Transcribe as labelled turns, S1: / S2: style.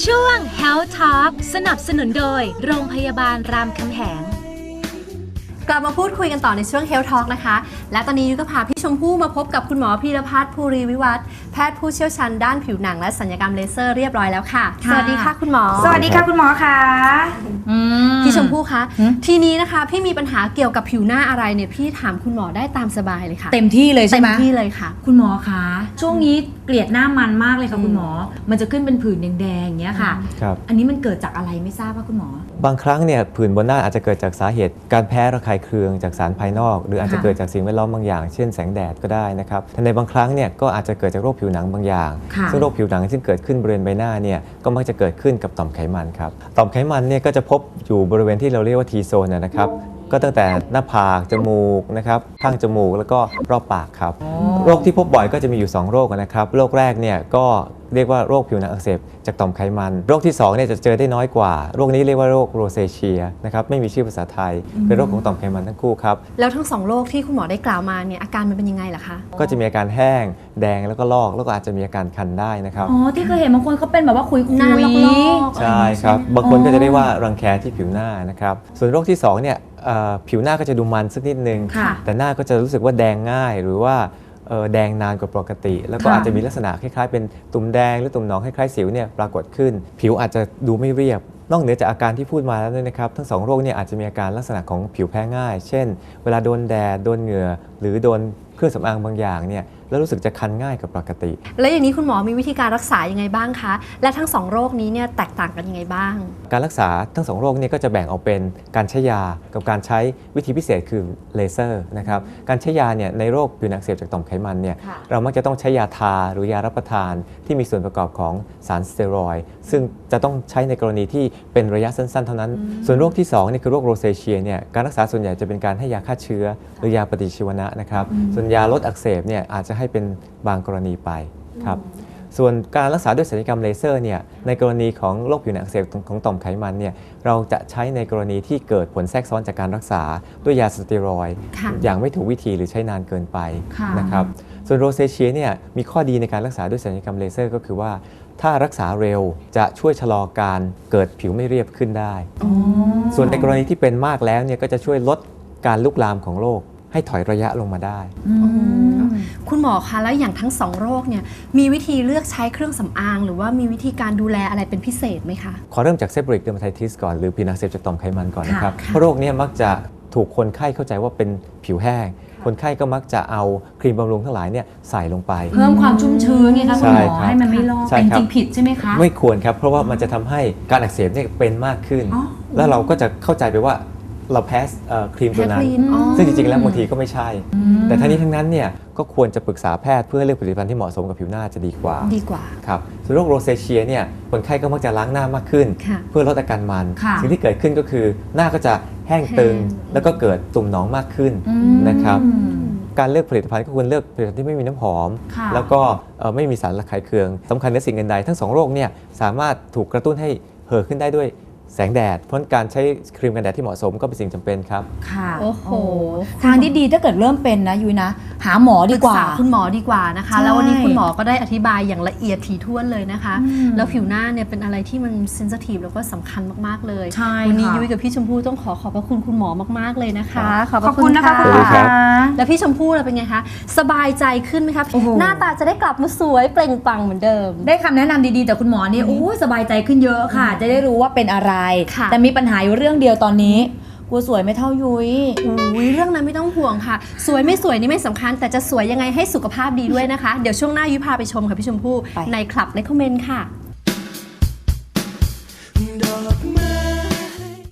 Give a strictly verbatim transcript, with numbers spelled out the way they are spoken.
S1: ช่วง Health Talk สนับสนุนโดยโรงพยาบาลรามคำแหง
S2: กลับมาพูดคุยกันต่อในช่วง Health Talk นะคะและตอนนี้ยุ้ยก็พาพี่ชมพู่มาพบกับคุณหมอพีรพัฒน์ภูริวิวัฒน์แพทย์ผู้เชี่ยวชาญด้านผิวหนังและศัลยกรรมเลเซอร์เรียบร้อยแล้วค่ะสวัสดีค่ะคุณหมอ
S3: สวัสดีค่ะคุณหมอค่ะ
S2: พี่ชมพู่คะทีนี้นะคะพี่มีปัญหาเกี่ยวกับผิวหน้าอะไรเนี่ยพี่ถามคุณหมอได้ตามสบายเลยค่ะ
S3: เต็มที่เลยใช่ไหม
S2: เต็มที่เลยค่ะ
S3: คุณหมอคะช่วงนี้เกลียดหน้ามันมากเลยค่ะคุณหมอมันจะขึ้นเป็นผื่นแดงๆอย่างเงี้ยค่ะอันนี้มันเกิดจากอะไรไม่ทราบว่าคุณหมอบ
S4: างครั้งเนี่ยผื่นบนหน้าอาจจะเกิดจากสาเหตุการแพ้ระคายเคืองจากสารภายนอกหรืออาจจะเกิดจากสิ่งแวดล้อมบางอย่างเช่นแสงแดดก็ได้นะครับแต่ในบางครั้งเนี่ยก็อาจจะเกิดจากโรคผิวหนังบางอย่างซึ่งโรคผิวหนังที่เกิดขึ้นบริเวณใบหน้าเนี่ยก็มักจะเกิดขึ้นกับต่อมไขมันครับต่อมไขมันเนี่ยก็จะพบอยู่บริเวณที่เราเรียกว่า T zone นะครับก็ตั้งแต่หน้าผากจมูกนะครับข้างจมูกแล้วก็รอบปากครับโรคที่พบบ่อยก็จะมีอยู่สองโรคนะครับโรคแรกเนี่ยก็เรียกว่าโรคผิวหนังอักเสบจากต่อมไขมันโรคที่สองเนี่ยจะเจอได้น้อยกว่าโรคนี้เรียกว่าโรคโรเซเชียนะครับไม่มีชื่อภาษาไทยเป็นโรคของต่อมไขมันทั้งคู่ครับ
S2: แล้วทั้งสองโรคที่คุณหมอได้กล่าวมาเนี่ยอาการมันเป็นยังไงล่ะคะ
S4: ก็จะมีอาการแห้งแดงแล้วก็ลอกแล้วก็อาจจะมีอาการคันได้นะครับ
S3: อ๋อที่เคยเห็นบางคนเขาเป็นแบบว่าคุยคุย
S4: ใช่ครับบางคนก็จะได้ว่ารังแคที่ผิวหน้านะครับส่วนโรคที่สองเนี่ยผิวหน้าก็จะดูมันสักนิดนึงแต่หน้าก็จะรู้สึกว่าแดงง่ายหรือว่าแดงนานกว่าปกติแล้วก็อาจจะมีลักษณะคล้ายๆเป็นตุ่มแดงหรือตุ่มหนองคล้ายๆสิวเนี่ยปรากฏขึ้นผิวอาจจะดูไม่เรียบนอกเหนือจากอาการที่พูดมาแล้วเนี่ยนะครับทั้งสองโรคเนี่ยอาจจะมีอาการลักษณะของผิวแพ้ง่ายเช่นเวลาโดนแดดโดนเหงื่อหรือโดนเครื่องสำอางบางอย่างเนี่ยแล้วรู้สึกจะคันง่ายกับปกติ
S2: แล้วอย่างนี้คุณหมอมีวิธีการรักษายังไงบ้างคะและทั้งสองโรคนี้เนี่ยแตกต่างกันยังไงบ้าง
S4: การรักษาทั้งสองโรคนี้ก็จะแบ่งออกเป็นการใช้ยากับการใช้วิธีพิเศษคือเลเซอร์นะครับการใช้ยาเนี่ยในโรคผิวหนังอักเสบจากต่อมไขมันเนี่ยเรามักจะต้องใช้ยาทาหรือยารับประทานที่มีส่วนประกอบของสารสเตียรอยด์ซึ่งจะต้องใช้ในกรณีที่เป็นระยะสั้นๆเท่านั้นส่วนโรคที่สองนี่คือโรคโรเซเชียเนี่ยการรักษาส่วนใหญ่จะเป็นการให้ยาฆ่าเชื้อหรือยาปฏิชีวนะนะครับส่วนยาลดอักเสบเนี่ยอาจจะให้เป็นบางกรณีไปครับส่วนการรักษาด้วยศัลยกรรมเลเซอร์เนี่ยในกรณีของโรคผิวหนังอักเสบของต่อมไขมันเนี่ยเราจะใช้ในกรณีที่เกิดผลแทรกซ้อนจากการรักษาด้วยยาสเตียรอยด์อย่างไม่ถูกวิธีหรือใช้นานเกินไปนะครับส่วนโรเซเชียเนี่ยมีข้อดีในการรักษาด้วยศัลยกรรมเลเซอร์ก็คือว่าถ้ารักษาเร็วจะช่วยชะลอการเกิดผิวไม่เรียบขึ้นได้ส่วนในกรณีที่เป็นมากแล้วเนี่ยก็จะช่วยลดการลุกลามของโรคให้ถอยระยะลงมาได้
S2: คุณหมอคะแล้วอย่างทั้งสองโรคเนี่ยมีวิธีเลือกใช้เครื่องสำอางหรือว่ามีวิธีการดูแลอะไรเป็นพิเศษไหมคะ
S4: ขอเริ่มจากเซบริกเดอร์มาไทติสก่อนหรือผิวหนังอักเสบจากต่อมไขมันก่อนนะครับเพราะโรคนี้มักจะถูกคนไข้เข้าใจว่าเป็นผิวแห้งคนไข้ก็มักจะเอาครีมบำรุงทั้งหลายเนี่ยใส่ลงไป
S3: เพิ่มความชุ่มชื้นไงคะคุณหมอให้มันไม่ลอกเป็นจริงผิดใช่ไหมคะ
S4: ไม่ควรครับเพราะว่ามันจะทำให้การอักเสบเนี่ยเป็นมากขึ้นแล้วเราก็จะเข้าใจไปว่าเราแพ้ครีมตัวนั้นซึ่งจริงๆแล้วบางทีก็ไม่ใช่แต่ทั้งนี้ทั้งนั้นเนี่ยก็ควรจะปรึกษาแพทย์เพื่อเลือกผลิตภัณฑ์ที่เหมาะสมกับผิวหน้าจะดีกว่า
S2: ดีกว่า
S4: ครับส่วนโรคโรเซเชียเนี่ยคนไข้ก็มักจะล้างหน้ามากขึ้นเพื่อลดอาการมันสิ่งที่เกิดขึ้นก็คือหน้าก็จะแห้งตึงแล้วก็เกิดตุ่มหนองมากขึ้นนะครับการเลือกผลิตภัณฑ์ก็ควรเลือกผลิตภัณฑ์ที่ไม่มีน้ำหอมแล้วก็ไม่มีสารระคายเคืองสำคัญในสิ่งอื่นใดทั้งสองโรคเนี่ยสามารถถูกกระตุ้นให้เห่อขึ้นได้ด้วยแสงแดดเพราะการใช้ครีมกันแดดที่เหมาะสมก็เป็นสิ่งจำเป็นครับ
S3: ค่ะโอ้โหทางที่ดีถ้าเกิดเริ่มเป็นนะยุ้ยนะหาหมอดีกว่า
S2: คุณหมอดีกว่านะคะแล้ววันนี้คุณหมอก็ได้อธิบายอย่างละเอียดถี่ถ้วนเลยนะคะแล้วผิวหน้าเนี่ยเป็นอะไรที่มันเซนซิทีฟแล้วก็สำคัญมากๆเลยวันนี้ยุ้ยกับพี่ชมพู่ต้องขอขอบพระคุณคุณหมอมากๆเลยนะคะ
S3: ขอบคุณนะคะคุณหมอ
S2: แล้วพี่ชมพู่เราเป็นไงคะสบายใจขึ้นไหมคะหน้าตาจะได้กลับมาสวยเปล่งปลั่งเหมือนเดิม
S3: ได้คำแนะนำดีๆจากคุณหมอนี่โอ้สบายใจขึ้นเยอะค่ะจะได้รู้ว่าเป็นอะไรแต่มีปัญหาอยู่เรื่องเดียวตอนนี้กลัวสวยไม่เท่ายุ้ย
S2: อุ้ยเรื่องนั้นไม่ต้องห่วงค่ะสวยไม่สวยนี่ไม่สำคัญแต่จะสวยยังไงให้สุขภาพดีด้วยนะคะเดี๋ยวช่วงหน้ายุ้ยพาไปชมค่ะพี่ชมพู่ในคลับเลคคอมเมนต์ค่ะ